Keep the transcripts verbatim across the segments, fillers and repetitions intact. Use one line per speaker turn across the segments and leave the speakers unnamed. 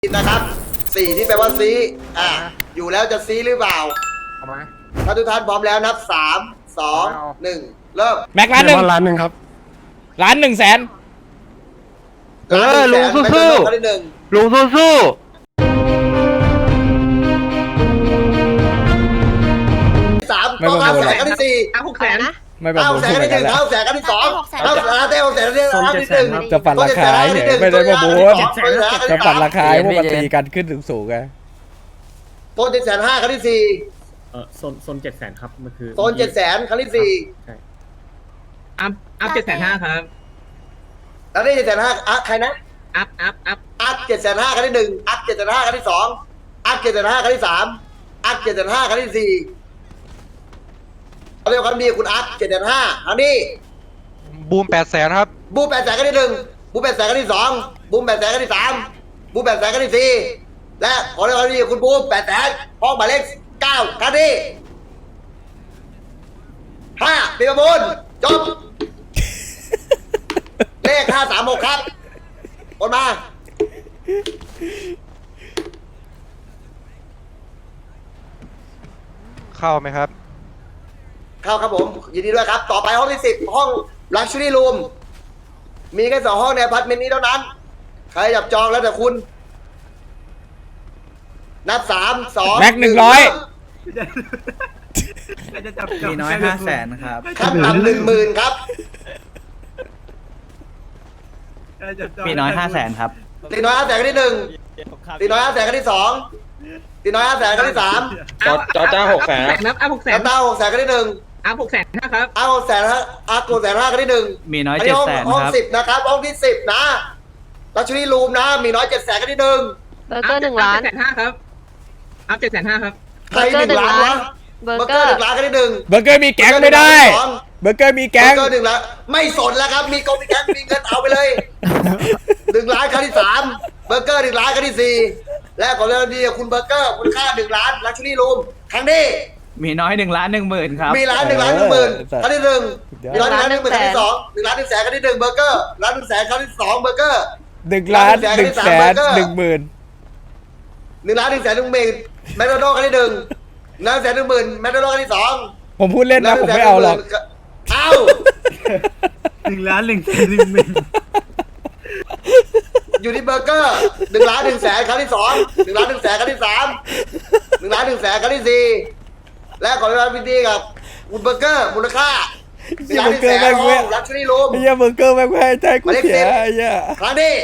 นะครับสี่ที่แปลว่าซีอ่ะอยู่แล้วจะซีหรือเปล่าเอามาถ้าทุกท่านพร้อมแล้วนับสามสองหนึ่งเริ่ม
แม็กล้านหนึ่ง
ล้านหนึ่งครับ
ล้านหนึ่งแสน
เออลุงสู้สู้ลุงสู้สู้
สามต้องห้าแสนกันที่สี่
หกแสนนะ
ไม่ประ
ห้า
มูล
แส
พู
น
ด
กัน
เหมือน
ที่ห
กั
นึ่
น
ง
แล้ว
ห้าแสนกันที่สองห้าเต้หกแสนที่ห้าที่หนึ่ง
จะปั่นราคาเฉยไม่ได้ประมูลจะปั่นราคาให้พวกมันตีกันขึ้นสูงๆไง
โซนเจ็ดแสนห้าครั้งที่สี่
เออโซนโซนเจ็ดแสนครับมันคือ
โซนเจ็ดแสนครั้งที่สี่
ใช่
อัพอัพเจ็ดแสนห้าครับ
แล้วนี่เจ็ดแสนห้าอ่ะใครนะ
อัพอัพอัพ
อัพเจ็ดแสนห้าครั้งที่หนึ่งอัพเจ็ดแสนห้าครั้งที่สองอัพเจ็ดแสนห้าครั้งที่สามอัพเจ็ดแสนห้าครั้งที่สี่เขาเรียกว่ามีคุณอัพเจ็ดแสนห้าครั้งนี้
บูมแปดแสนครับ
บูมแปดแสนครั้งที่หนึ่งบูมแปดแสนครั้งที่สองบูมแปดแสนครั้งที่สามบูมแปดแสนครั้งที่สี่และขอเรียกว่ามีคุณบูมแปดแสนห้องหมายเลขเก้าครั้งที่ห้าปีประมูลจบ เลขห้าสามหกครับโอนมา
เข้าไหมครับ
เข้าครับผมยินดีด้วยครับ ต่อไปห้องที่สิบห้อง Luxury Room มีแค่สองห้องในอพาร์ตเมนต์นี้เท่านั้น ใครจับจองแล้วแต่คุณ นับสามสอง
แม็กหนึ่งร้อย
มีน้อยห้าแสนครับ
ขั้นต่ำหนึ่งหมื่นครับ
มีน้อยห้าแสนครับ
ตีน้อยห้าแสนครั้งที่หนึ่งตีน้อยห้าแสนครั้งที่สองตีน้อยห้าแสนครั้งที่สาม
จอจอจ้าหกแสน
นับอัพหกแสน
น้ำตาหกแสนครั้งที่หนึ่ง
อัพหกแสนห้าครับ
เอาหกแสนฮะอาโกแสนห้าครั้งที่หนึ่ง
มีน้อย
อัน
เจ็
นี้
ด
ห้อง
แสน
ห้อง
ครับ
สิบนะครับห้องที่สิบนะลักชัวรี่รูมนะ มีน้อยเจ็ดแสนครั้งที่หนึ่ง
เบอร์เกอร์หนึ่งล้าน
เจ็ดแสนห้าครับอัพเจ็ดแสนห้าครับ
ใครหนึ่งล้านวะ
เบอร์
เบอร์
เก
เก
อ
อร์
ร์
หนึ่งล้านครั้งที่หนึ่ง
เบอร์เกอร์มีแก๊งไม่ได้ เบอร์เกอร์มี
เบ
แก๊
อง ร์เกอร์หนึ่งล้านไม่สนแล้วครับ มีกองมีแก๊งมีเงินเอาไปเลยหนึ่งล้านครั้งที่สามเบอร์เกอร์หนึ่งล้านครั้งที่สี่และขอเริ่มดีคุณเบอร์เกอร์มูลค่าหนึ่งล้านลักชัวรี่รูมครั้งนี้
มีน้อยหนึ่งล้านหนึ่งหมื่นครับ
มีล้านหนึ่งล้านหนึ่งหมื่นครั้งที่หนึ่งมีล้านหนึ่งล้านหนึ่งหมื่นครั้งที่สองหนึ่งล้านหนึ่งแสนครั้งที่หนึ่งเบอร์เกอร์ล้านหนึ่งแสนครั้งที่สองเบอร์เกอร์
หนึ่งล้านหนึ่งแสนหนึ่งหมื่น
หนึ่งล้านหนึ่งแสนหนึ่งหมื่นแมคโดนัลด์ครั้งที่หนึ่งหนึ่งแสนหนึ่งหมื่นแมคโดนัลด์ครั้งที่สอง
ผมพูดเล่นนะผมไม่เอาหรอก
เอา
หนึ่งล้านหนึ่งแสนหนึ่งหมื่น
อยู่ที่เบอร์เกอร์หนึ่งล้านหนึ่งแสนครั้งที่สองหนึ่งล้านหนึ่งแสนครั้งที่สามหนึ่งล้านหนึ่งแสนครั้งที่สี่และขอเวลาพิธีกับคุณเบอร์เกอร์มูลค่าหนึ่งล้านหนึ่งแสนห้องลักชัวรี่รูม
ไอ้เหี้ยเบอร์เกอร์แม่งไม่ให้ใจกูเสียไอ้เหี้ย
ครั้งที่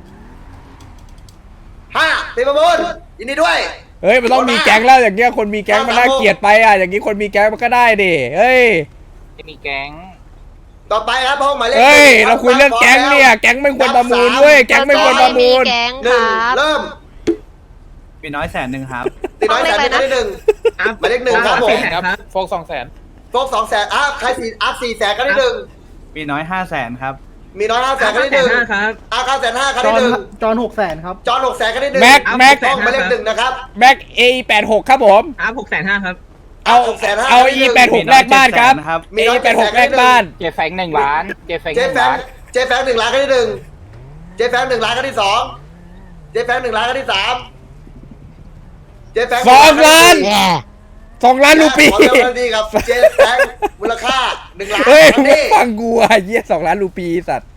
ห้าตีประมูลยินดีด้วย
เฮ้ยมันต้องมีแก๊งแล้วอย่างเงี้ยคนมีแก๊งมันน่าเกลียดไปอ่ะอย่างงี้คนมีแก๊งมันก็ได้ดิเฮ้ย
จะมีแก๊ง
ต่อไปครับห้องหมายเลข
เฮ้ยเราคุยเรื่องแก๊งเนี่ยแก๊งไม่ควรประมูลเว้ยแก๊งไม่ควรประมูล
แก๊ง
ห
ค
นึ่ง
รับ
เริ่ม
มีน้อยแสนหนึ่งครับ
ตีน้อยแสนหนึ่งครั้งที่หนึ่ง
อัพ
หมายเลขหนึ่งครับผม
สี่แสนครับ
โฟกสองแสน
โฟกสองแสนอัพใครสี่อัพสี่แสนครั้งที่หนึ่ง
มีน้อยห้าแสนครับ
มีน้อยห้าแส
อั
น
พ
ครั้งที่หนึ่ง
ห้าครับ
อาเก้าแสนห้าครั้งที่หนึ่ง
จอนหกแสนครับ
จอห์นหกแสนครั้งที่หนึ่ง
แม็กแม็ก
ห้องหมายเลขหนึ่งนะครับ
แม็ก เอ แปดหกครับผม
อัพหกแสนห้าครับ
เอา
หกแสนห้า
เอา อี แปดหก แลกบ้านครับ
มี
เอ
น้อย
แปดหกแลกบ้าน
เจแฟงหนึ่งล้านเจแฟง
เจ
หนึ่ง
แฟง
ล้าน
เจแฟงหนึ่งล้านครั้งที่หนึ่งเจแฟงหนึ่งล้านครั้งที่สองเจแฟงหนึ่งล้านครั้งที่สามเจแฟง
สองล้านสองล้านรูปี
ขอเริ่มดีครับเจแฟงมูลค่าหนึ่งล้าน
เฮ้ย
ครั้ง
มึง
นี้
ฟังกูอ่ะเยี่ยสองล้านรูปีสัตว์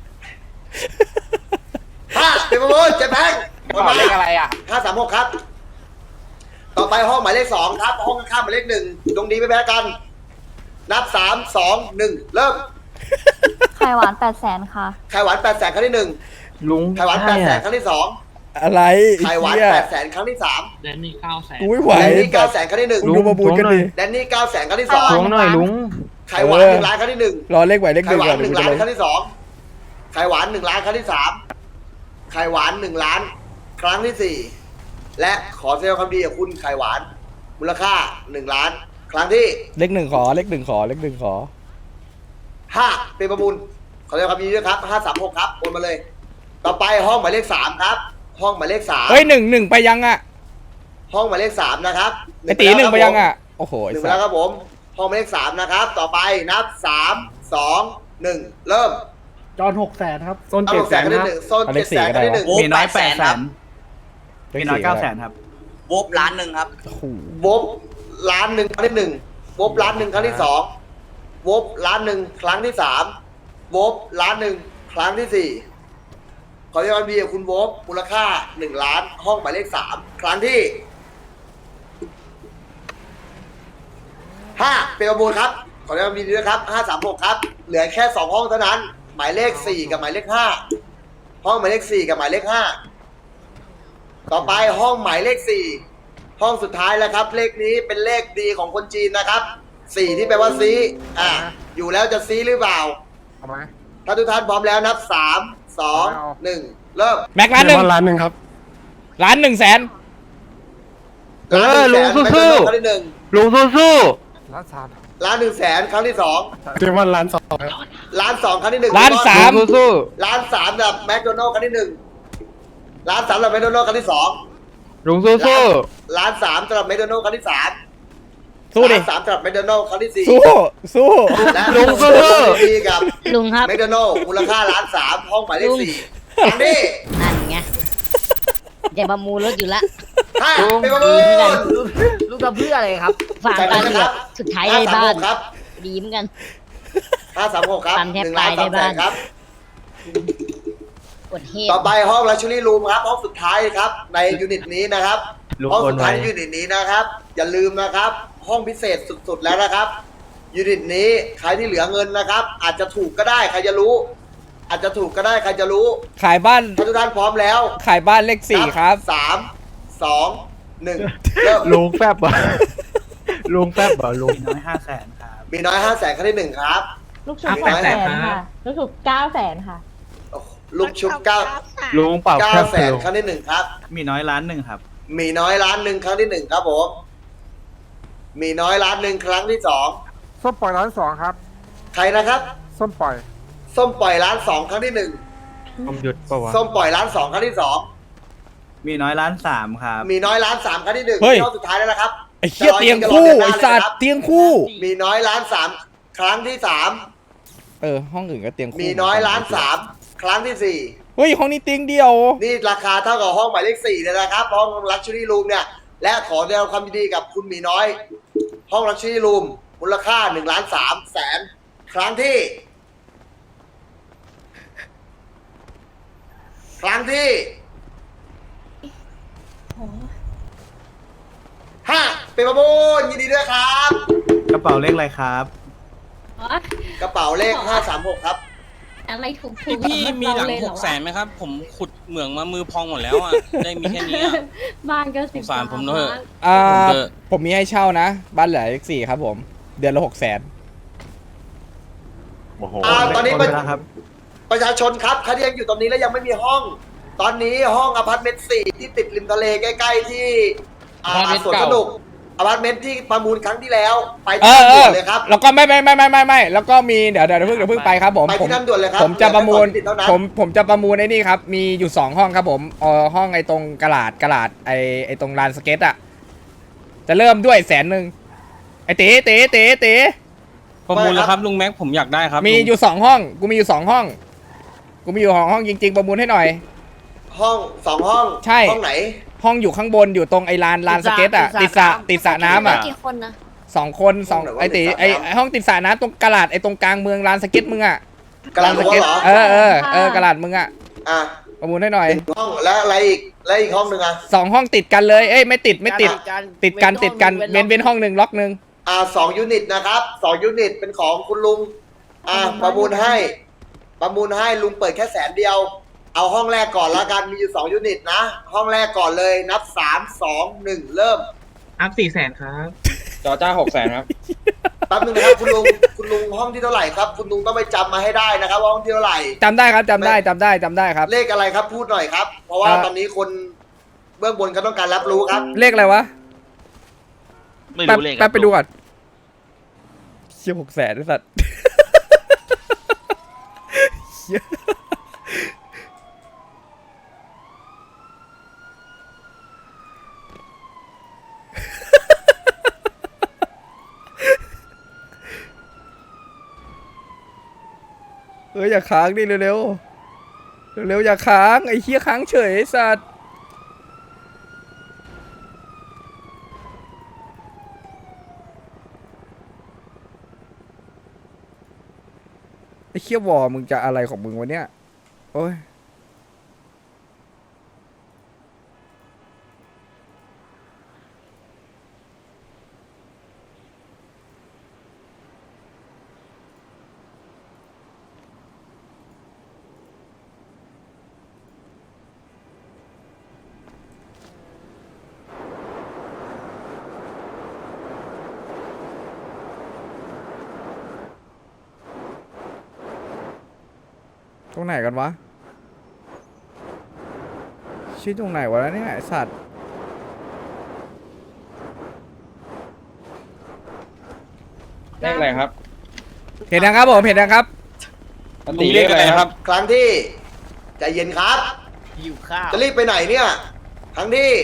ห้าเป็นประมูลเจแฟง
กระเป๋าเลขอะไรอ่ะ
ห้าสามหกครับ ต่อไปห้องหมายเลขสองครับ ห้องข้างๆหมายเลขหนึ่งดวงดีไม่แพ้กัน นับสามสองหนึ่งเริ่ม
ไข่หวานแปดแสนค่ะ
ไข่หวานแปดแสนครั้งที่หนึ่ง
ลุง
ไข่หวานแปดแสนครั้งที่สอง
อะไร
ไข่หวาน
เหี้ย
แปดแสนครั้งที่สาม
แดนนี่เก้าแสน
กูไม่ไหว
แดนนี่เก้าแสนครั้งที่หนึ่ง
มึงดูมาบูนกันดิ
แดนนี่เก้าแสนครั้งที่สอง
ไข่หวานหน่อยลุง
ไข่หวานหนึ่งล้านครั้งที่หนึ่ง
รอเลขไหวเลขห
ไข่
นึ่ง
หวา
ก่อน
นหนึ่ง
เดี๋
ล้า
ยวกูจะลง
นครั้งที่สองไข่หวานหนึ่งล้านครั้งที่สามไข่หวานหนึ่งล้านครั้งที่สี่และขอแสดงความดีกับคุณไข่หวาน มูลค่าหนึ่งล้าน ครั้งที่
เลขหนึ่งขอเลขหนึ่งขอเลขหนึ่งขอ
ห้าเป็นประมูลขอแสดงความยินดีด้วยครับห้าสามหกครับโอนมาเลย ต่อไปห้องหมายเลขสามครับ ห้องหมายเลขสาม
เฮ้ยหนึ่งหนึ่งไปยังอ่ะ
ห้องหมายเลขสามนะครับ
ไอตีหนึ่งไปยังอ่ะโอ้โห
ห
ไอ้
นึ่งไป
สั
แล้ว
ส
ครับผมห้องหมายเลขสามนะครับ ต่อไปนับสามสองหนึ่งเริ่ม
จอนหกแสนครับโซน
เอา
เจ็
ห
ด
ก
แส
แสน
น
ครั้ง
ครั
ที่
บ
หนึ่งโซนเจ็ดแสนครั้งที่หนึ่ง
มีน้อยแปดแสนมีน้อยเก้าแสนครับ
วบล้านหนึ่งครับ
โอ้โห
วบล้านหนึ่งครั้งที่หนึ่งวบล้านหนึ่งครั้งที่สองวบล้านหนึ่งครั้งที่สามวบล้านหนึ่งครั้งที่สี่ขอเรียกว่าบีกับคุณวบมูลค่าหนึ่งล้านห้องหมายเลขสามครั้งที่ห้าเป็นประมูลครับขอเรียกว่าบีด้วยครับห้าสามหกครับเหลือแค่สองห้องเท่านั้น หมายเลขสี่กับหมายเลขห้าห้องหมายเลขสี่กับหมายเลขห้าต่อไปห้องหมายเลขสี่ห้องสุดท้ายแล้วครับ เลขนี้เป็นเลขดีของคนจีนนะครับสี่ที่แปลว่าซีอ่ะอยู่แล้วจะซีหรือเปล่า
เอาไหม
ถ้าทุกท่านพร้อมแล้วนับสามสองหนึ่งเริ่ม
แม็กล้านหนึ่ง
ล้านหนึ่งครับ
ล้านหนึ่งแสน
เออลุงสู้
ครั้งที่หนึ่ง
ๆลุงสู้
ล้านสาม
ล้านหนึ่งแสนครั้งที่สอง
ๆเรียกว่าล้านสองครับ
ล้านสองครั้งที่หนึ่ง
ล้านสาม
ลุงสู้
ล้านสามแบบแมคโดนัลด์ครั้งที่หนึ่งล้านสามแบบแมคโดนัลด์ครั้งที่สอง
ๆลุงสู้
ล้านสามสำหรับแมคโดนัลด์ครั้งที่สาม
สู้ดิ
ล้านสามสำหรับแมคโดนัลด์ครั้งที่สี่
สู้สู้
และ
ลุงสู้
ดีกับ
ลุงครับ
แมคโดนัลด์มูลค่าล้านสามห้องหมายเลขสี่ครั้งที่
นั่นไงจะประมูลรถอยู่ละ
ห้าเป็นประมูล
ลูกทำเพื่ออะไรครับ
ฝากกันเถอะสุดท้ายได้บ้าน
ครับ
ดีเหมือนกัน
ห้าสามหกครับ
ปั๊มแทบ
หนึ่งล้าน
ตายได้
สามแสน
บ้าน
ครับ
กดเฮด
ต่อไปห้องลักชัวรี่รูมครับห้องสุดท้ายครับในยูนิตนี้นะครับ
ลุง
ห้อง
โอ
สุ
น
ด
ไว้
ท้ายในยูนิตนี้นะครับ อย่าลืมนะครับ ห้องพิเศษสุดๆแล้วนะครับยูนิตนี้ใครที่เหลือเงินนะครับ อาจจะถูกก็ได้ใครจะรู้ อาจจะถูกก็ได้ใครจะรู้
ขายบ้าน
ถ้าทุกท่านพร้อมแล้ว
ขายบ้านเลขสี่ครับ
สามสองหนึ่งเริ่ม
ลุงแฟบเหรอลุงแฟบเหรอลุง
มีน้อยห้าแสนครับ
มีน้อยห้าแสนครั้งที่หนึ่งครับ
ลูกชุบ
มี
แป
น้อย
ดแสนค่ะ ลูกชุบเก้าแสนค่ะ
ลูกชุบเก้า
ลุงเปล่า
เก้า
แฟบ
แสน
ลุง
ครั้งที่หนึ่งครับ
มีน้อยล้านหนึ่งครับ
มีน้อยล้านหนึ่งครั้งที่หนึ่งครับผมมีน้อยล้านหนึ่งครั้งที่สอง
ส้มปล่อยล้านสองครับ
ใครนะครับ
ส้มปล่อย
ส้มปล่อยล้านสองครั้งที่หนึ่ง
ผมหยุดเปล่าวะ
ส้มปล่อยล้านสองครั้งที่สอง
มีน้อยล้านสามครับ
มีน้อยล้านสามครั้งที่หนึ่ง
เฮ้ย
รอบสุดท้ายแล้วนะครับ
ไอ้เหี้ยเตียงคู่ไอ้สัตว์เตียงคู่
มีน้อยล้านสามครั้งที่สาม
เออห้องอื่นก็เตียงคู่
มีน้อยล้านสามครั้งที่สี่
เฮ้ยห้องนี้เตียงเดียว
นี่ราคาเท่ากับห้องหมายเลขสี่เลยนะครับห้องลักชัวรี่รูมเนี่ยและขอแสดงความยินดีกับคุณหมีน้อย ห้องลักชัวรี่รูมมูลค่าหนึ่งล้านสามแสนครั้งที่ ครั้งที่ห้าเป็นประมูลยินดีด้วยครับ
กระเป๋าเลขอะไรครับ
กระเป๋าเลขห้าสามหกครับ
อะไรถูกถู
พี่
ก
พี่มีหลังหกแสนไหมครับ ผมขุดเหมืองมามือพองหมดแล้วอ่ะ ได้มีแค่นี้อะ
บ้านก็สิบ
สงสารผมเถอะ
อ่า
ผมเจอ
ผมมีให้เช่านะ บ้านหลังเลขสี่ครับผม เดือนละหกแสน
โอ้โห
อ่าตอนนี้
หมดเวลาครับ
ประชาชนครับใครที่ยังอยู่ตรงนี้แล้วยังไม่มีห้อง ตอนนี้ห้องอพาร์ตเมนต์สี่ที่ติดริมทะเลใกล้ๆที่อ่า
อพาร์ตเมนต์
สวน
เก่า
สนุกอพาร์ตเมนต์ที่ประมูลครั้งที่แล้ว ไป
เอ
ที่
อ
นั่น
เอ
ด่ว
อน
เลยครับ
แล้วก็ไม่ไม่ไม่ไม่ไม่ไม่แล้วก็มีเดี๋ยวเดี๋ยวเพิ่งเดี๋ยวเพิ่งไปครับผม
ไป
ผม
ที่นั่นด่วนเลยครับ
ผมจะประมูล
เหลือแค่สองที่ติดเท่านั้น
ผมผมจะประมูลไอ้นี่ครับ มีอยู่สองห้องครับผมเออห้องไอ้ตรงกระดาษกระดาษไอ้ไอ้ตรงลานสเก็ตอะจะเริ่มด้วยแสนหนึ่งไอ้เต๋เต๋เต๋เต๋
ประมูลแล้วครับลุงแม็กผมอยากได้ครับ
มี
ลุง
อยู่สองห้อง กูมีอยู่สองห้อง กูมีอยู่สองห้องจริง ๆ ประมูลให้หน่อย
ห้องสองห้อง
ใช่
ห้องไหน
ห้องอยู่ข้างบนอยู่ตรงไอ้ลานลานสเก็ตอะติดสระติดสระน้ำอะ
กี่คนนะ
สองคนสองไอ้ตีไอ้ไอ้ห้องติดสระน้ำตรงกระดาษไอ้ตรงกลางเมืองลานสเก็ตมึงอะ
กลาง
ส
รั้ว
เก็ต
เหรอ
เออเออเออกระดาษมึงอะ
อ่ะ
ประมูลให้หน่อย
ห้องแล้วอะไรอีกแล้วอีกห้องหนึ่งอ่ะ
สองห้องติดกันเลยเอ้ยไม่ติดไม่ติด ติดกันติดกันเว้นเว้นห้องหนึ่งล็อกหนึ่ง
อ่าสองยูนิตนะครับสองยูนิตเป็นของคุณลุงอ่าประมูลให้ ประมูลให้ลุงเปิดแค่แสนเดียว เอาห้องแรกก่อนละกันมีอยู่สองยูนิตนะ ห้องแรกก่อนเลยนับสามสองหนึ่งเริ่ม
อัพสี่แสนครับ
จอจ้าหกแสนครับ
แป๊บนึงนะครับคุณลุงคุณลุงห้องที่เท่าไหร่ครับ คุณลุงต้องไปจำมาให้ได้นะครับว่าห้องที่เท่าไหร่
จำได้ครับจำได้จำได้จำได้ครับ
เลขอะไรครับพูดหน่อยครับ เพราะว่า
อ่า
ตอนนี้คนเบื้องบนเขาต้องการรับรู้ครับ
เลขอะไรวะ
ไม่
แป๊บ
รู้เลข
แป๊บไปดูก่อนเชี่ยหกแสนไอ้สัตว์เชี่ยเอออย่าค้างดิเร็วๆเร็วๆอย่าค้างไอ้เหี้ยค้างเฉยไอ้สัตว์อ้เคี้ยววอมึงจะอะไรของมึงวะเนี่ยโอ้ยตรงไหนกันวะชื่อตรงไหนวะเนี่ยไอ้สัตว์
เลขอะไรครับ
เห็นนะครับผมเห็นนะครับ
ลุงเลขอะไรครับ
ครั้งที่ใจเย็นครับ
หิวข้าว
จะรีบไปไหนเนี่ย ครั้งที่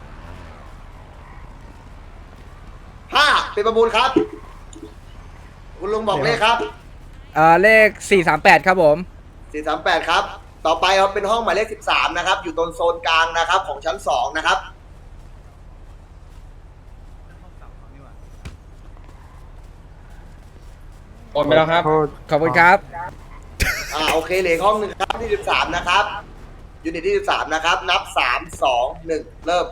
ห้าเป็นประมูลครับ คุณลุงบอกเลขครับ
อ่าเลขสี่สามแปดครับผม
สี่สามแปดครับ ต่อไปครับเป็นห้องหมายเลขสิบสามนะครับ อยู่ตรงโซนกลางนะครับ ของชั้นสองนะครับ
โอนไปแล้วครับ
ขอบคุณครับ
อ่าโอเคเหลืออกห้องหนึ่งครับที่สิบสามนะครับยูนิตที่สิบสามนะครับ นับสามสองหนึ่งเริ่ม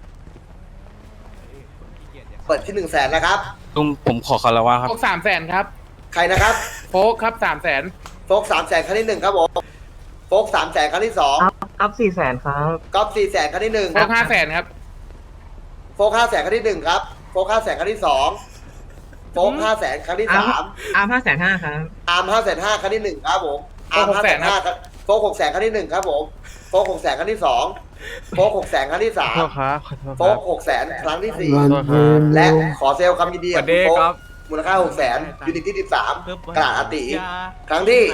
เปิดที่หนึ่งแสนนะครับ
ลุงผมขอคารวะครับ
โฟกสามแสนครับ
ใครนะครับ
โฟกครับสามแสน
โฟกสามแสนครั้งที่หนึ่งครับผมโฟกสามแสนครั้งที่สอง
อัพสี่แสนครับ
ก๊อฟสี่แสนครั้งที่หนึ่ง
โฟกห้าแสนครับ
โฟกห้าแสนครั้งที่หนึ่งครับโฟกห้าแสนครั้งที่สองโฟกห้าแสนครั้งที่สาม
อาร์มห้าแสนห้าครับ
อาร์มห้าแสนห้าครั้งที่หนึ่งครับผมอาร์ม
โฟกห
ห้าก แส
แส
น
น
ห้า
ครับ
โฟกหกแสนครั้งที่หนึ่งครับผมโฟกหกแสนครั้งที่สองโฟกหกแสนครั้งที่สาม
ขอโทษครับขอโทษ
โฟ
ครั
ก
บ
หกแสนครั้งที่สี่
ขอโทษครับ
และขอเซลล์คำยินดี
ส
กั
วั
บ
สดี
คุณโฟก
ครับ
มูลค่าหกแสนยูนิตที่สิบสามกระดาษอาติครั้งที่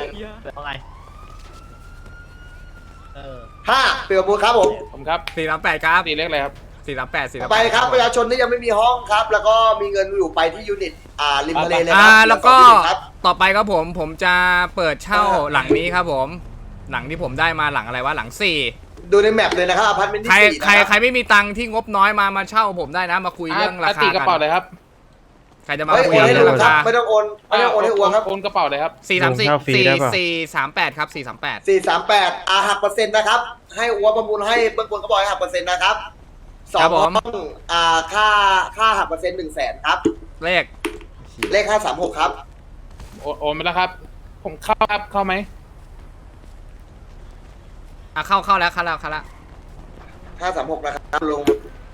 ห้าเปลี่ยนประมูลครับผม
ผมครับ
สี่สามแปดครับ
ตีเลขอะไรครับ
สี่สามแปดสี่สาม
ไป
แปด
ครับประชาชนที่ยังไม่มีห้องครับ แล้วก็มีเงินอยู่ไปที่ยูนิตอ่าริมทะเลเลยค
อ่า
รับ
แล้วก็
ยูนิตครับ
ต่อไปครับผมผมจะเปิดเช่าหลังนี้ครับผม หลังที่ผมได้มาหลังอะไรวะหลังสี่
ดูในแมปเลยนะครับอพาร์ตเมนต์
ใคร
ที่สี่
ใคร
นะ
ใครไม่มีตังค์ที่งบน้อยมามาเช่าผมได้นะมาคุยเรื่องราคา
ตีกระเป๋า
กั
เลยครับ
ใครจะมา
เฮ้ย
คุย
โอนให้
เรื่
ลุ
อง
ง
รา
ครับ
คา
ไม่ต้องโอนไม่ต้องโอนให้อัวครับ
โอนกระเป๋าเลยครับ
สี่สามสี่
ลงเช่าฟรี
สี่
ได้ปะ
สี่สามแปดครับสี่สามแปด
สี่สามแปดอาหักเปอร์เซ็นต์นะครับ ให้อัวประมูลให้เบื้องบนก็บอกให้หักเปอร์เซ็นต์นะครับสองห้องอ่าค่าค่าหักเปอร์เซ็นต์หนึ่งแสนครับ
เลข
เลขห้าสามหกครับ
โอนโอนไปแล้วครับ ผมเข้าครับเข้าไหม
อ่ะเข้าเข้าแล้วเข้าแล้วเข้าแล้ว
ห้าสามหกนะครับลง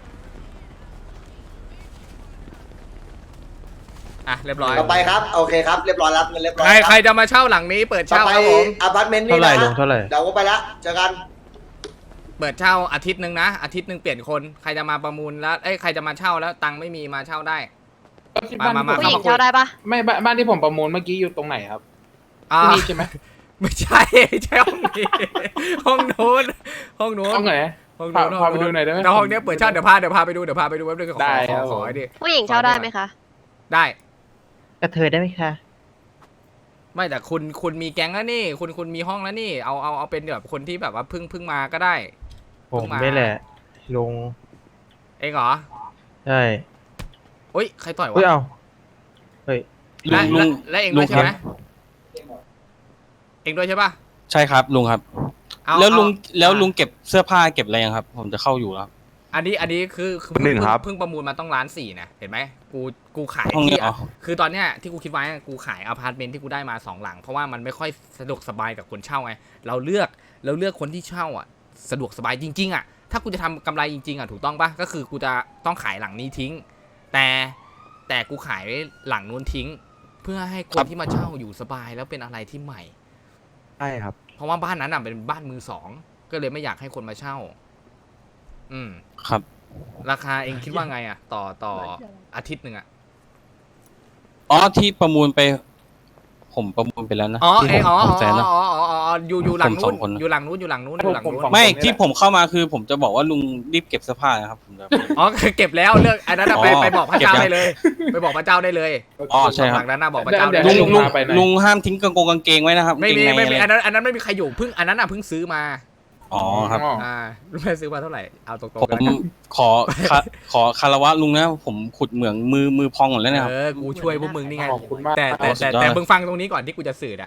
อ่ะเรียบร้อย
ต่อไปครับโอเคครับเรียบร้อยรับเงินเรียบร้อย
ใคร
ค
ใคร
รับ
จะมาเช่าหลังนี้เปิด
ต่อ
เช่า
ไป
ครับผม
อพาร์ตเมนต์
เท่า
นี่
ไหร่
นะ
ลงเท่าไหร่
เดี๋ยวก็ไปละเจอกัน
เปิดเช่าอาทิตย์หนึ่งนะอาทิตย์หนึ่งเปลี่ยนคนใครจะมาประมูลแล้วเอ้ยใครจะมาเช่าแล้วตังค์ไม่มีมาเช่าได้ มามามา
ผู้หญิงเช่าได้ปะ
ไม่บ้านบ้านที่ผมประมูลเมื่อกี้อยู่ตรงไหนครับ
อ่า
ที่นี่ใช่ไหม
ไม่ใช่ไม่ใช่ห้องนี้ ห้องนู้นห้องนู้น
ห้องไหน
ห้อง
พา
นู้น
พาไปดูหน่อยได้ไหม
แล้วห้องเนี้ยเปิดเช่าเดี๋ยวพาเดี๋ยวพาไปดูเดี๋ยวพาไปดูแป๊บนึงขอ
ได้
ข
ครั
อบ ขอให้ดิ
ผู้หญิงเช่าได้ไหมคะ
ได้
กระเทยได้ไหมคะ
ไม่แต่คุณคุณมีแก๊งแล้วนี่ คุณคุณมีห้องแล้วนี่เอาเอาเอาเป็นแบบคนที่แบบว่าเพิ่งเพิ่งมาก็ได้
ผมไม่แหละ ลง
เองเหรอ
ใช่
อุ้ยใครต่อยวะ
เฮ้ยเอาเฮ้ย
ลุ
และ
งลุ
และ
ง
และเอง
ลุ
ด้ว
ง
ยใช่ไหม
ครับ
เองด้วยใช่ปะ
ใช่ครับลุงครับ
เอา
แล้วลุง
เอา
แล้วลุงเก็บเสื้อผ้าเก็บอะไรยังครับ ผมจะเข้าอยู่แล้ว
อันนี้อันนี้คือคือ
หนึ่งครับ
เพิ่งประมูลมาต้องล้านสี่นะเห็นไหมกูกูขาย
ห้องนี้
ที่
อ๋อ
คือตอนเนี้ยที่กูคิดไว้กูขายอพาร์ตเมนต์ที่กูได้มาสองหลังเพราะว่ามันไม่ค่อยสะดวกสบายกับคนเช่าไงเราเลือกเราเลือกคนที่เช่าอ่ะสะดวกสบายจริงๆอ่ะถ้ากูจะทำกำไรจริงๆอ่ะถูกต้องปะก็คือกูจะต้องขายหลังนี้ทิ้ง แต่แต่กูขายหลังนู้นทิ้ง เพื่อให้คนที่มาเช่าอยู่สบายแล้วเป็นอะไรที่ใหม่
ใช่ครับ
เพราะว่าบ้านนั้นอ่ะเป็นบ้านมือสองก็เลยไม่อยากให้คนมาเช่า อืม
ครับ
ราคาเองคิดว่าไงอ่ะ ต่อต่ออาทิตย์หนึ่งอ่ะ
อ๋อที่ประมูลไป ผมประมูลไปแล้วนะ
อ๋อ
ที่
เอ
ห
ง
ก
อ๋อ
หกแสน
อ๋
นะ
ออ๋ออ๋ออยู่อยู่หลัง
ผมส
นู้
อน งคนนะ
อยู่หลังนู้นอยู่หลังนู้นอยู่หลังนู้น
ผมสอง
ไม่
คนนี่
ที่
แหละ
ผมเข้ามาคือ ผมจะบอกว่าลุงรีบเก็บเสื้อผ้านะครับผมจะ
อ๋อเก็บแล้วเลือกอันนั้นอะไป
อ๋อ
ไปบอกพระเจ้า
เก็บยัง
ได้เลย ไปบอกพระเจ้าได้เลย
อ๋อใช่ครับ
หลังนั้นน่ะบอกพระเจ้า
เดี๋
ได้
ยว
เล
ลุ
ย
งลุง
พาไปหน่อย
ลุงห้ามทิ้งกางเกงกางเกงไว้นะครับ
ไม่มี
กางเกงใน
ไม่มี
อะ
อัน
ไร
นั้นอันนั้นไม่มีใครอยู่เพิ่งอันนั้นอ่ะเพิ่งซื้อมา
อ๋อครับ
อ่ารู้ไหมซื้อมาเท่าไหร่เอาตรง
ผ
ๆกัน
มขอขอขอคารวะลุงนะ ผมขุดเหมืองมือมือพองหมดแล้วเนะครับ
เออกูช่วยพวกมึงนี่ไง
ขอบคุณมาก
แต่แต่
สุ
แต่
ดยอด
แต่
เลย
มึงฟังตรงนี้ก่อนที่กูจะสื่ออ่ะ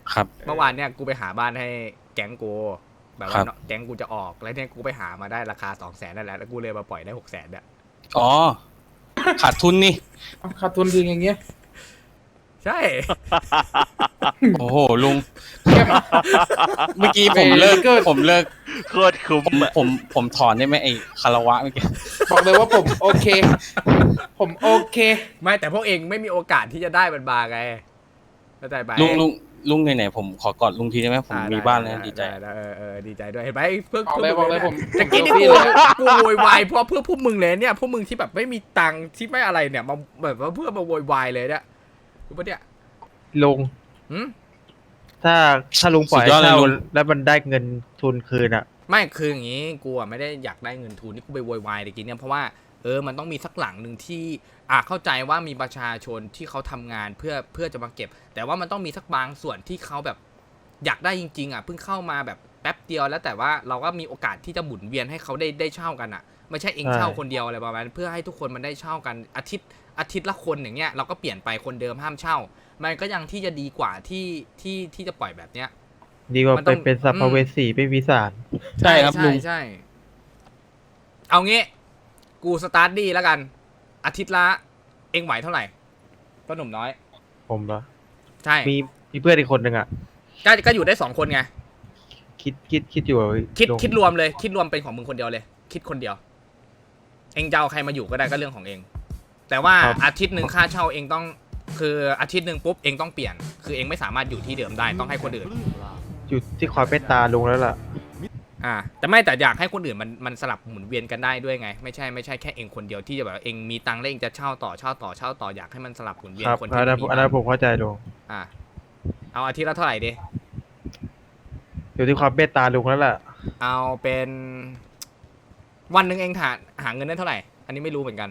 ครับ
เมื่อวานเนี่ยกูไปหาบ้านให้แก๊งกูแบบ
ครั
ว่า
บ
แก๊งกูจะออกแล้วเนี่ยกูไปหามาได้ราคาสองแสนนั่นแหละแล้วกูเลยมาปล่อยได้หกแสนเนี่ย
อ๋อ ขาดทุนนี่
เอาขาดทุนทีอย่างเงี้ย
ใช่
โอ้โหลุง เมื่อกี้ผมเลิกผมเลิก
โคตรคุ้ม
ผม
อะ
ผมผมถอนได้ไหมไอ้คารวะเมื่อกี้
บอกเลยว่าผมโอเค ผมโอเค
ไม่แต่พวกเองไม่มีโอกาสที่จะได้มันมาไงเข้าใจไหม
ลุงลุงลุงไหนๆผมขอกอดลุงทีได้ไหมผม
อ่
มีบ้านแล้วดีใจ
ไเออเออดีใจด้วยเห็นไหมเพื่อ
บอกเลยบอกเลยผม
ตะกี้นี่
ผม
กู
เซลฟี่เลย
กูโวยวายเพราะเพื่อพวกมึงเลยเนี่ยพวกมึงที่แบบไม่มีตังค์ที่ไม่อะไรเนี่ยมาแบบว่าเพื่อมาโวยวายเลยเนี่ยรู้ปะเนี่ย
ลุง
หืม
ถ้าถ้าลุงปล่อย
สุดยอดเลย
เช่า
ลุง
แล้วมันได้เงินทุนคืนอ่ะ
ไม่คืออย่างงี้กูอะไม่ได้อยากได้เงินทุนที่กูไปโวยวายตะกี้เนี่ยเพราะว่าเออมันต้องมีสักหลังหนึ่งที่อ่ะเข้าใจว่ามีประชาชนที่เขาทำงานเพื่อเพื่อจะมาเก็บ แต่ว่ามันต้องมีสักบางส่วนที่เขาแบบอยากได้จริงๆอ่ะเพิ่งเข้ามาแบบแป๊บเดียวแล้วแต่ว่าเราก็มีโอกาสที่จะหมุนเวียนให้เขาได้ได้เช่ากันอ่ะไม่ใช่เอง
ใช่
เช่าคนเดียวอะไรประมาณนั้นเพื่อให้ทุกคนมันได้เช่ากันอาทิตย์อาทิตย์ละคนอย่างเงี้ยเราก็เปลี่ยนไปคนเดิมห้ามเช่า มันก็ยังที่จะดีกว่าที่ที่ที่จะปล่อยแบบเนี้ย
ดีกว่า
มันต้
ไป
อง
เป็นสัพเวสีไม่มีสาร
ใช่ครับลุง
ใช่เอางี้กูสตาร์ทดีแล้วกัน อาทิตย์ละเองไหวเท่าไหร่ก็หนุ่มน้อย
ผมเหรอ
ใช่
มีมีเพื่อนอีกคนหนึ่งอ่ะ
ก็ก็อยู่ได้สองคนไง
คิดคิดคิดอยู่ว่า
คิด
ลุง
คิดรวมเลย คิดรวมเป็นของมึงคนเดียวเลย คิดคนเดียว เองจะเอาใครมาอยู่ก็ได้ก็เรื่องของเอง แต่ว่าอาทิตย์หนึ่งค่าเช่าเองต้อง คืออาทิตย์หนึ่งปุ๊บเองต้องเปลี่ยน คือเองไม่สามารถอยู่ที่เดิมได้ต้องให้คนอื่น
อยู่ที่ความเมตตาลุงแล้วล่ะ
อ่าแต่ไม่แต่อยากให้คนอื่นมันมันสลับหมุนเวียนกันได้ด้วยไง ไม่ใช่ไม่ใช่แค่เองคนเดียวที่จะแบบว่าเองมีตังค์แล้วเองจะเช่าต่อเช่าต่อเช่าต่ออยากให้มันสลับหมุนเวียน
ครับ
คน
อั
ที่
นนั้น
ไม่มี
อันนั้นผมเข้าใจลุง
อ่าเอาอาทิตย์ละเท่าไหร่ดี
อยู่ที่ความเมตตาลุงแล้วล่ะ
เอาเป็นวันหนึ่งเองหาหาเงินได้เท่าไหร่ อันนี้ไม่รู้เหมือนกัน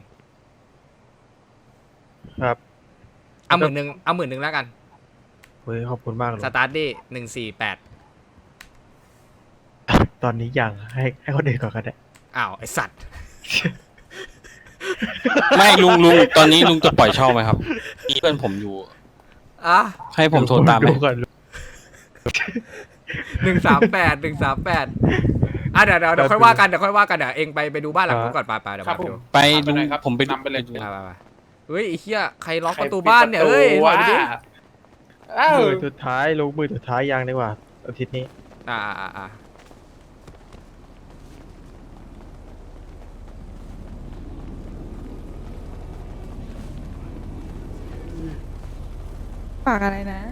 ครับ
เอาหมื่นหนึ่งเอาหมื่นหนึ่งแล้วกัน
เฮ้ยขอบคุณมากลุง
สตาร์ทดี้หนึ่งสี่แปด
ตอนนี้ยังให้ให้คนอื่นก่อนก็ได้
อ้าวไอสัตว์
ไม่ลุงลุงตอนนี้ลุงจะปล่อยเช่าไหมครับมีเพื่อนผมอยู่
อ่ะ
ให้ผมโทรตามไหม
ลุงก่อนลุง
หนึ่งสามแปดหนึ่งสามแปดอ่ะเดี๋ยวเดี๋ยวเดี๋ยวค่อยว่ากันเดี๋ยวค่อยว่ากันเดี๋ยวเองไปไปดูบ้านหลังนู้นก่อนไปไปเดี๋ยว
ครับ
ไป
ผม
ดู
ไป
ไป
ลุง
ไหนครับ
ผมไป
นำไปเลย
ดู
ไปไปไปเฮ้ยไอ้เหี้ยใครล็อก
ใค
ประตูบ้านเนี่ย
ปิด
เอ้ย
ประตู
ถอยไปดิ
วะอ้าว
มือสุดท้ายลุงมือสุดท้ายยังดีกว่าอาทิตย์นี้
อ่าอ่าอ่า
ฝากอะไรนะ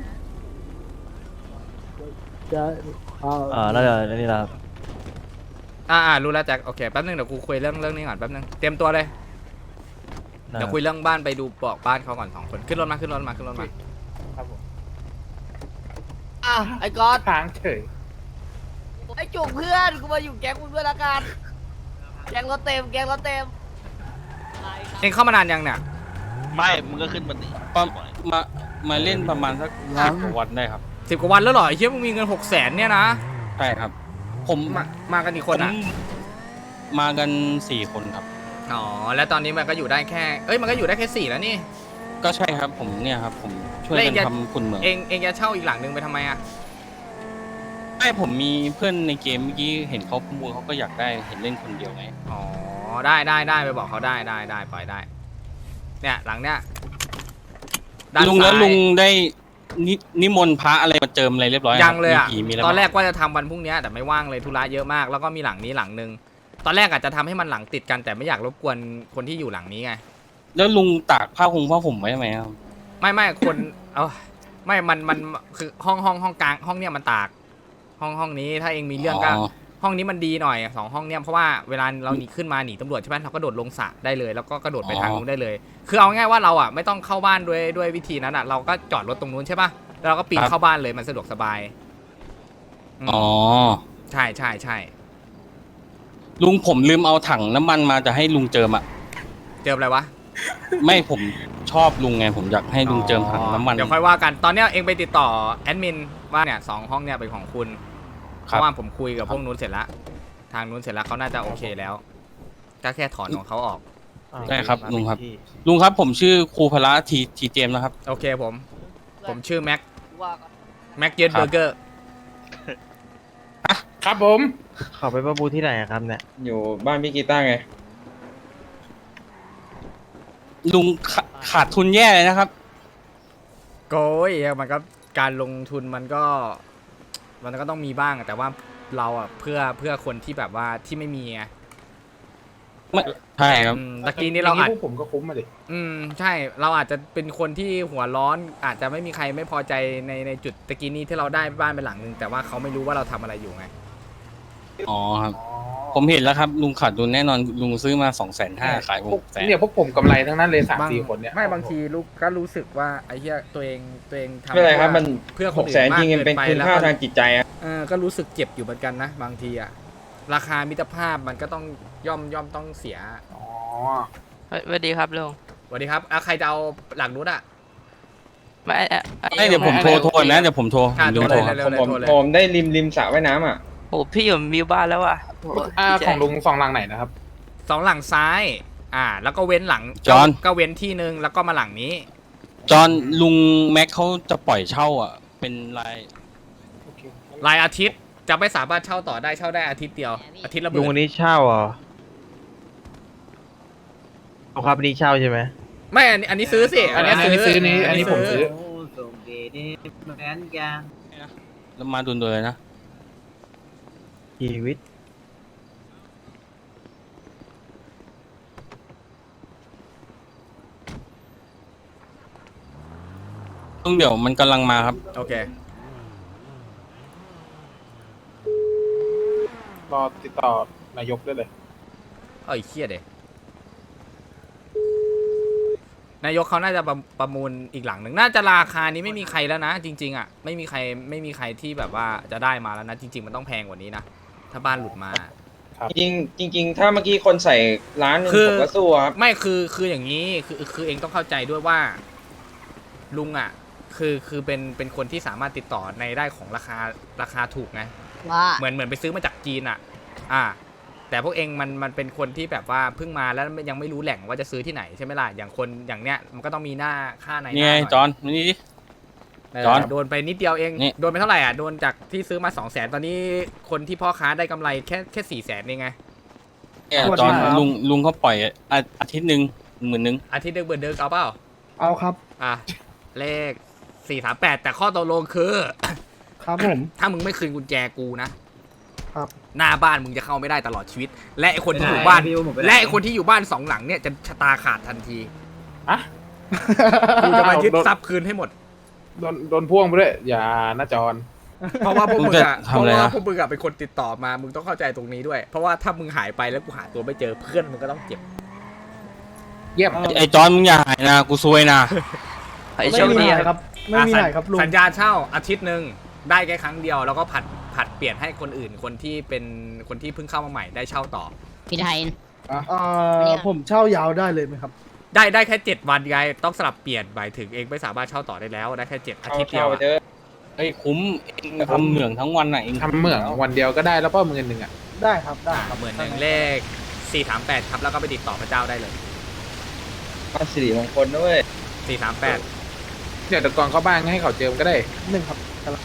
อ่าแล้วเดี๋ยวนี่ครับ
อ่าอ่ารู้แล้วแจ็คโอเคแป๊บนึงเดี๋ยวกูคุยเรื่องเรื่องนี้ก่อนแป๊บนึงเตรียมตัวเลยเดี๋ยวคุยเรื่องบ้านไปดูบอกบ้านเขาก่อนสองคนขึ้นรถมาขึ้นรถมาขึ้นรถมา
ครับผม
อ่ะไอ้ก๊อต
ทางเฉย
ไอ้จุกเพื่อนกูมาอยู่แก๊งมึงด้วยละกันแก๊งรถเต็มแก๊งรถเต็ม
เองเข้ามานานยังเนี่ย
ไม่ มึงก็ขึ้นมาดิ
ประมามาเล่นประมาณสักห้ากว่าวันได้ครับ
สิบกว่าวันแล้วเหรอไอ้เหี้ยมึงมีเงินหกแสนเนี่ยนะ
ใช่ครับ ผม
มามากันกี่คนอ่ะ
ผมมากันสี่คนครับ
อ๋อแล้วตอนนี้มันก็อยู่ได้แค่เอ้ยมันก็อยู่ได้แค่สี่แล้วนี่
ก็ใช่ครับผมเนี่ยครับผมช่วย
แล้วเอ
กั
ง
น
จะ
ทำคุณเหมือง
เองเองจะเช่าอีกหลังนึงไปทำไมอ่ะ
ไม่ผมมีเพื่อนในเกมเมื่อกี้เห็นเขาประมูลเขาก็อยากได้เห็นเล่นคนเดียวไง
อ๋อได้ได้ได้ไปบอกเขาได้ได้ได้ปล่อยได้ เนี่ยหลังเนี้ยด้าน
ลุงแล้ว
ซ้าย
ลุงได้นินิมนต์พระอะไรมาเจิมอะไรเรียบร้อย
ยังเลยอ่ะ
มีผีมีอะไร
ตอนแรก
บ้าง
ว่าจะทำวันพรุ่งนี้แต่ไม่ว่างเลยธุระเยอะมากแล้วก็มีหลังนี้หลังนึงตอนแรกอาจจะทำให้มันหลังติดกันแต่ไม่อยากรบกวนคนที่อยู่หลังนี้ไง
แล้วลุงตากผ้าคงผ้าห่มไว้ไหมครับ
ไม่ไม่คนเออไม่มันมันคือห้องห้องห้องกลางห้องเนี้ยมันตาก ห้องห้องนี้ถ้าเองมีเรื่องก็ห้องนี้มันดีหน่อยสองห้องเนี้ยเพราะว่าเวลาเราหนีขึ้นมาหนีตำรวจใช่ไหมเราก็โดดลงสระได้เลย แล้วก็กระโดดไปทางนู้นได้เลย คือเอาง่ายว่าเราอ่ะไม่ต้องเข้าบ้านด้วยด้วยวิธีนั้นอ่ะเราก็จอดรถตรงนู้นใช่ป่ะแล้วเราก็ปีนเข้าบ้านเลยมันสะดวกสบายม
อ๋อ
ใช่ใช่ใช่
ลุงผมลืมเอาถังน้ำมันมาจะให้ลุงเจิมอ่ะ
เจออะไรวะ
ไม่ผมชอบลุงไงผมอยากให้ลุงเจิมถังน้ำมัน
เดี๋ยวค่อยว่ากันตอนเนี้ยเองไปติดต่อแอดมินว่าเนี่ยสองห้องเนี่ยเป็นของคุณเพ
ครับ
ราะว่าผมคุยกับพวกนู้นเสร็จแล้วทางนู้นเสร็จแล้วเขาน่าจะโอเคแล้วก็แค่ถอนของเขาออก
ใช่ครับลุงครับ ลุงครับผมชื่อครูพละทีทีเจมส์นะครับ
โอเคผม ผมชื่อแม็ก
ว่าก่อน
แม็กเจนเบอร์เกอร์
ครับผม
ขอไปประมูลที่ไหนอะครับเนี่ย
อยู่บ้านพี่กีต้าไง ลุงขาขาดทุนแย่เลยนะครับ
โก้ยมันก็การลงทุนมันก็ มันก็ต้องมีบ้างอะแต่ว่าเราอ่ะเพื่อเพื่อคนที่แบบว่าที่ไม่มีไง
ใช่ครับ
อืมตะกี้นี้เราอาจ
พวกผมก็คุ้มมาดิ
อืมใช่เราอาจจะเป็นคนที่หัวร้อนอาจจะไม่มีใครไม่พอใจในในจุดตะกี้นี้ที่เราได้บ้านเป็นหลังนึงแต่ว่าเขาไม่รู้ว่าเราทำอะไรอยู่ไง
อ๋อครับ ผมเห็นแล้วครับ ลุงขาดทุนแน่นอน ลุงซื้อมาสองแสนห้าขายหกแสน
เนี่ยพวกผมกำไรทั้งนั้นเลยสาม
บาง
สี่คนเนี่ย
ไม่บางทีลูกก็รู้สึกว่าไอ้เหี้ยตัวเองตัวเองทำ
ไม่เป็นไรครับ มัน
เพื่อค
ห
น
ก
อื่
แสน
นมาก
จริง
เกิ
มันเป็น
นไป
คุณ
แล้ว
ค่า
ก็
ทางจิตใจอะ
เออก็รู้สึกเจ็บอยู่เหมือนกันนะ บางทีอะราคามิตรภาพมันก็ต้องย่อมย่อมต้องเสีย
อ๋อ
สวัสดีครับลุง
สวัสดีครับอ่ะใครจะเอาหลังนู้นอะ
ไม่
ไม่เดี๋ยวผมโทรโทรนะ เดี๋ยวผมโทร
อ่ะ
ผม
โทร
โทร
เลย
ครับ
เร็วๆเลย
ผม
โทรเลย
ผมได้ริมริมสระว่ายน้ำอ่ะ
โอ้พี่อยู่มิวบ้านแล้วอ่ะ
อ่าของลุงสองหลังไหนนะครับ
สองหลังซ้าย อ่า แล้วก็เว้นหลัง
จอห์น
ก็เว้นที่นึงแล้วก็มาหลังนี้
จอห์นลุงแม็กเขาจะปล่อยเช่าอ่ะ เป็นราย
รายอาทิตย์จะไม่สามารถเช่าต่อได้เช่าได้อาทิตย์เดียวอาทิตย์ละห
ลุง
มื่
วัน
น
นี้เช่าเหรอเอาครับวันนี้เช่าใช่ไหม
ไม่อันนี้อันนี้ซื้อสิ
อันนี้อันนี้ซื้อนี้อันนี้ผมซื้อ
แล้วมาดุนๆเลยนะ
ชีวิต
ลุงเดี๋ยวมันกำลังมาครับ
โอเค
รอติดต่อนายกได้เลย
เอาอีกเครียดเลยนายกเขาน่าจะประประมูลอีกหลังหนึ่งน่าจะราคานี้ไม่มีใครแล้วนะ จริง ๆอ่ะไม่มีใครไม่มีใครที่แบบว่าจะได้มาแล้วนะ จริง ๆ มันต้องแพงกว่านี้นะถ้าบ้านหลุดมา
จริงจริง ๆ ถ้าเมื่อกี้คนใส่ร้านหนึง
คือ
ผมก็สู้ครับ
ไม่คือคืออย่างนี้คือคือเองต้องเข้าใจด้วยว่า ลุงอ่ะ คือคือเป็นเป็นคนที่สามารถติดต่อในได้ของราคาราคาถูกไง
ว่า
เหมือนเหมือนไปซื้อมาจากจีนอ่ะ อ่า แต่พวกเองมันมันเป็นคนที่แบบว่าเพิ่งมาแล้วยังไม่รู้แหล่งว่าจะซื้อที่ไหนใช่ไหมล่ะ อย่างคนอย่างเนี้ยมันก็ต้องมีหน้าค่าในห
นี่
น้า
ไง
หน่อย
จอห์นนี่ดิ
เออ
จอน
โดนไปนิดเดียวเอง
นี่
โดนไปเท่าไหร่อ่ะ โดนจากที่ซื้อมาสองแสนตอนนี้คนที่พ่อค้าได้กำไรแค่แค่สี่แสนเองไง
เนี่ยจอห์นลุงลุงเขาปล่อยอาอาทิตย์หนึ่งหมื่นหนึ่ง
อาทิตย์เดือนเบิร์นเดินเอาเปล่า
เอาครับ
อ่ะ เลขสี่สามแปดแต่ข้อตกลงคือ
ครับผม
ถ้ามึงไม่คืนกุญแจกูนะครับ หน้าบ้านมึงจะเข้าไม่ได้ตลอดชีวิต และไอคนที่อยู่บ้าน และไอคนที่อยู่บ้านสองหลังเนี่ยจะชะตาขาดทันที
อะ
กูจะมายึดทรัพย์คืนให้หมด
โดนโดนพ่วงไปด้วย อย่านะจอน
เพราะว่าพวกมึงอะ
มึงจะทำอะไร
เพราะว่า
นะ
พวกมึงอะเป็นคนติดต่อมา มึงต้องเข้าใจตรงนี้ด้วย เพราะว่าถ้ามึงหายไปแล้วกูหาตัวไม่เจอเพื่อนมึงก็ต้องเจ็บ
เยี่ยม
ไอ้จอห์นมึงอย่าหายนะกูซวยนะ
ไอ้โชคดี
ไม่มีอะไร
ค
ครับ รับ ไม่มี
อ่ะ
อะไรครับลุง
สัญญาเช่าอาทิตย์หนึ่งได้แค่ครั้งเดียวแล้วก็ผัดผัดเปลี่ยนให้คนอื่น คนที่เป็นคนที่เพิ่งเข้ามาใหม่ได้เช่าต่อ
พี่ไทย
เอ่อผมเช่ายาวได้เลยไหมครับ
ได้ได้แค่เจ็ดวันไงต้องสลับเปลี่ยนหมายถึงเองไม่สามารถเช่าต่อได้แล้วได้แค่เจ็ดอาทิตย์เดียว
เข้า
อะ
เจอเฮ้ยคุ้มเองทำเหมืองทั้งวันน่ะเอง
ทำเหมืองวันเดียวก็ได้แล้วก็เงินหนึ่งอ่ะ
ได้ครับ ได้ครับ
เหมือนหนึ่งเลขสี่สามแปดครับแล้วก็ไปติดต่อพระเจ้าได้เลย
มาสิริมงคลด้วย
สี่สามแปด
เดี๋ยวตะกอนเข้าบ้านให้เขาเจิมก็ได้
หนึ่งครับกำลัง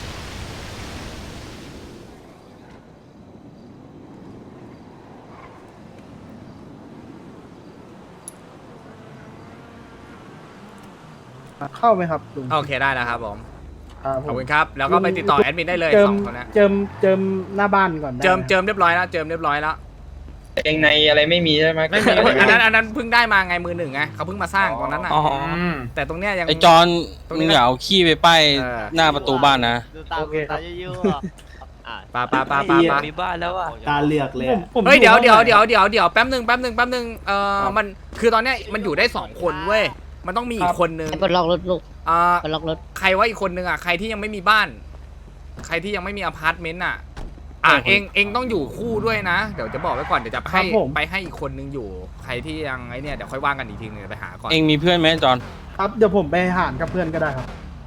เข้าไหมครับลุง
โอเคได้แล้วครับผม
ครับผ
ขอบ
ม
คุณครับแล้วก็ไปติดต่อแอดมินได้เลย
เจิ
ส
ม
องคนนะ
เจิมเจิมหน้าบ้านก่อนได้
เจิม
ไห
เจิมเรียบร้อยแล้วเจิมเรียบร้อยแล้ว
เองในอะไรไม่มีใช่ไหม
ไม่มีอันนั้นอันนั้นเพิ่งได้มาไงมือหนึ่งไงเขาเพิ่งมาสร้างตรงนั้นอ่ะ
อ๋อ
อืม
แต่ตรงเนี้ยยัง
ไอ้จอห์น
ตรงนี้
มึง
นะ
อย่าเอาขี้ไปป้าย
เออ
หน้าประตูบ้านนะ
โอเคครับ
ปาปาปาปาปา
มีบ้านแล้วอ่ะ
ตาเลือกเลยผมผม
เฮ้ยเดี๋ยว
ห้อง
เดี๋ยว
ไหน
เดี๋ยวเดี๋ยวเดี๋ยวแป๊บหนึ่งแป๊บหนึ่งแป๊บหนึ่งเอ่อมันคือตอนเนี้ยมันอยู่ได้สองคนเว้ยมันต้องมีอีกคนนึง
ไอ้ปลดล็อกรถลูก
อ่า
ปลดล็อกรถ
ใครว่าอีกคนนึงอ่ะใครที่ยังไม่มีบ้าน ใครที่ยังไม่มีอพาร์ตเมนต์อ่ะอ่ะ
เออ
เองเองต้องอยู่คู่ด้วยนะ เดี๋ยวจะบอกไว้ก่อนเดี๋ยวจะ
ครั
ให้
บผม
ไปให้อีกคนนึงอยู่ ใครที่ยังไอเนี่ยเดี๋ยวค่อยว่างกันอีกทีนึงเดี๋ยวไปหาก่อน
เองมีเพื่อนไหมจอห์น
ครับเดี๋ยวผมไปหารกับเพื่อนก็ได้ครับ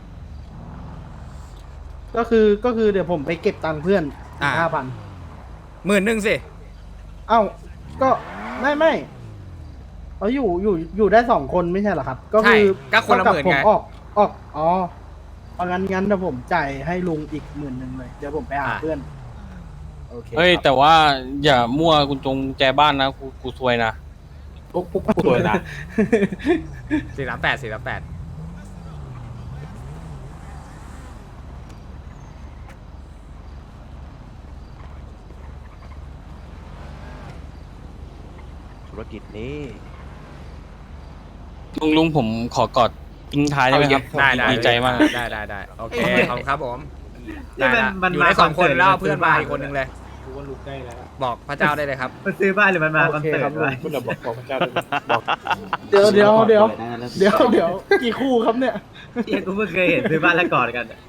ก็คือก็คือเดี๋ยวผมไปเก็บตังค์เพื่อนห้าพัน
หมื่นหนึ่งสิ
เอ้าก็ไม่ไม่เอาอยู่อยู่อยู่ได้สองคนไม่ใช่เหรอครับ ก็
ใช่
คือ
ก็คนละหมื่น
ผม
ไง
ออกออกอ๋อเอางั้นงั้นเดี๋ยวผมจ่ายให้ลุงอีกหมื่นหนึ่งเลยเดี๋ยวผมไปหา
อ่ะ
เพื่อนโอเค
เฮ้ย
ครับ
แต่ว่าอย่ามั่วกุญจงแจบ้านนะกูกูซวยนะ
พวกพวกตัวนะ
สี่สามแปดสี่สามแปด
ธุรกิจนี้
ลุงลุงผมขอกอดทิ้งท้ายได้ไหมครับ
ได้ได้
ดีใจมาก
ได้ได้ได้โอเคขอบคุณครับผม
นี่มัน
ได้ละ
มัน
อยู่
มา
ได้สองคน
คอนเสิร์ต
แล้วเอา
หรือ
เพื่อน
มัน
มา
ซื้อบ้าน
อีกคนหนึงเลย
กูว่าลุกได้แล้ว
บอกพระเจ้าได้เลยครับ
มันซื้อบ้านหรือมันมาคอนเสิร์ต
โอเคครับลุง
วะ
คุณเราบอกบอกพระเจ้าด้วยบอก
เดี๋ยวเดี๋ยวเดี๋ยวเดี๋ยวเดี๋ยวกี่คู่ครับเนี่ย
เฮียกูเพิ่งเคยเห็นซื้อบ้านแล้วกอดกันอะ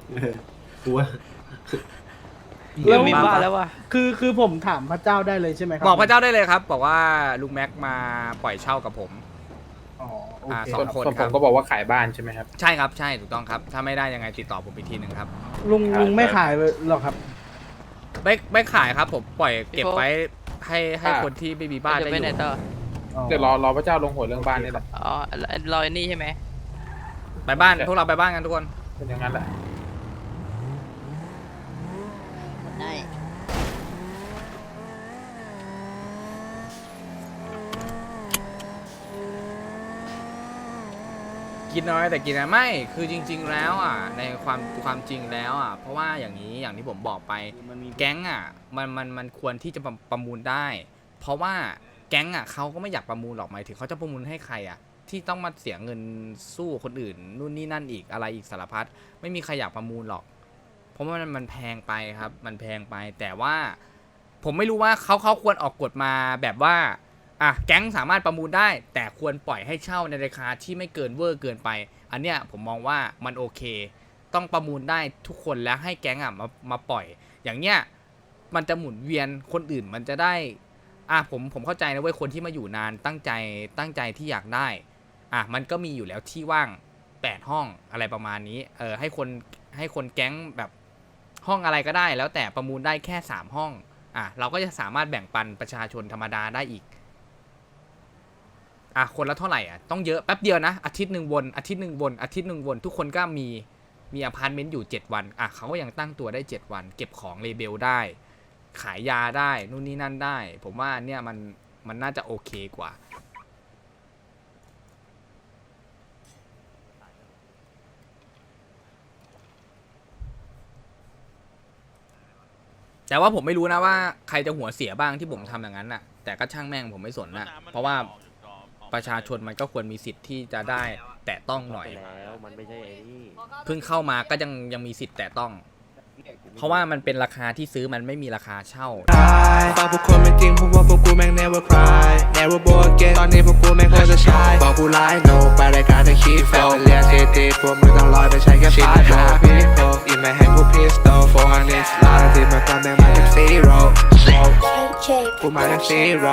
แล้ว
มีบ้านแล้ววะ
คือคือผมถามพระเจ้าได้เลยใช่ไหมครั
บอกพระเจ้าได้เลยครับ บอกว่าลุงแม็กมาปล่อยเช่ากับผม
อ๋อโอ
อ่า
เค
ส
ส่
อ
วน
งคน
ส่วน
ค
ผ
รับ
มก็บอกว่าขายบ้านใช่ไหมครับ
ใช่ครับใช่ถูกต้องครับ ถ้าไม่ได้ยังไงติดต่อผมอีกทีหนึ่งครับ
ลุงลุงไม่ขายเลยหรอกครับ
ไม่ไม่ขายครับผมปล่อยเก็บไว้ให้ให้
อ่า
คนที่ไม่มีบ้านได้อยู่
อ๋อ
เดี๋ยวรอรอพระเจ้าลงหัวเรื่องบ้านนี่แหละ
อ๋อรอยนี่ใช่ไหม
ไปบ้านพวกเราไปบ้านกันทุกคน
เป็นอย่างนั้นแหละ
ได้
กินน้อยแต่กินนะไม่คือจริง ๆ แล้วอ่ะในความความจริงแล้วอ่ะเพราะว่าอย่างนี้อย่างที่ผมบอกไปแก๊งอ่ะมันมันมันควรที่จะประประมูลได้ เพราะว่าแก๊งอ่ะเขาก็ไม่อยากประมูลหรอกหมายถึงเขาจะประมูลให้ใครอ่ะที่ต้องมาเสียเงินสู้คนอื่นนู่นนี่นั่นอีกอะไรอีกสารพัดไม่มีใครอยากประมูลหรอก เพราะว่ามันมันแพงไปครับ มันแพงไปแต่ว่าผมไม่รู้ว่าเขาเขาควรออกกฎมาแบบว่าอ่ะแก๊งสามารถประมูลได้ แต่ควรปล่อยให้เช่าในราคาที่ไม่เกินเวอร์เกินไป อันเนี้ยผมมองว่ามันโอเค ต้องประมูลได้ทุกคนแล้วให้แก๊งอ่ะมามาปล่อย อย่างเนี้ยมันจะหมุนเวียนคนอื่นมันจะได้อ่ะผมผมเข้าใจนะเว้ยคนที่มาอยู่นานตั้งใจตั้งใจที่อยากได้อ่ะมันก็มีอยู่แล้วที่ว่างแปดห้องอะไรประมาณนี้เออให้คนให้คนแก๊งแบบห้องอะไรก็ได้ แล้วแต่ประมูลได้แค่สามห้องอ่ะเราก็จะสามารถแบ่งปันประชาชนธรรมดาได้อีกอ่ะคนละเท่าไหร่อ่ะต้องเยอะแป๊บเดียวนะอาทิตย์หนึ่งวนอาทิตย์หนึ่งวนอาทิตย์หนึ่งวนทุกคนก็มีมีอพาร์ตเมนต์อยู่เจ็ดวันอ่ะเขาก็ยังตั้งตัวได้เจ็ดวันเก็บของเลเบลได้ขายยาได้นู่นนี่นั่นได้ผมว่าเนี่ยมันมันน่าจะโอเคกว่าแต่ว่าผมไม่รู้นะว่าใครจะหัวเสียบ้างที่ผมทำอย่างนั้นน่ะแต่ก็ช่างแม่งผมไม่สนน่ะเพราะว่าประชาชนมันก็ควรมีสิทธิ์ที่จะได้แตะต้องหน่อย
แล้วมันไม่ใช่ไอ้นี่
เพิ่งเข้ามาก็ยังยังมีสิทธิ์แตะต้อง เพราะว่ามันเป็นราคาที่ซื้อมันไม่มีราคาเช่า
ฝากพวกคนไม่จริงเพราะว่าพวกกูแม่ง never cry never bored again ตอนนี้พวกกูแม่งโคตรจะชายบอกกูไลน์โนไปรายการจะคีฟโฟเรียนทีทีพวกมึงต้องลอยไปใช้แค่พาร์ทหาพี่โฟอินมาแฮนด์กูพีสโตโฟร์ฮันดิสลาที่มาก่อนแม่งมาจากซีโร่กูมาจากซีโร่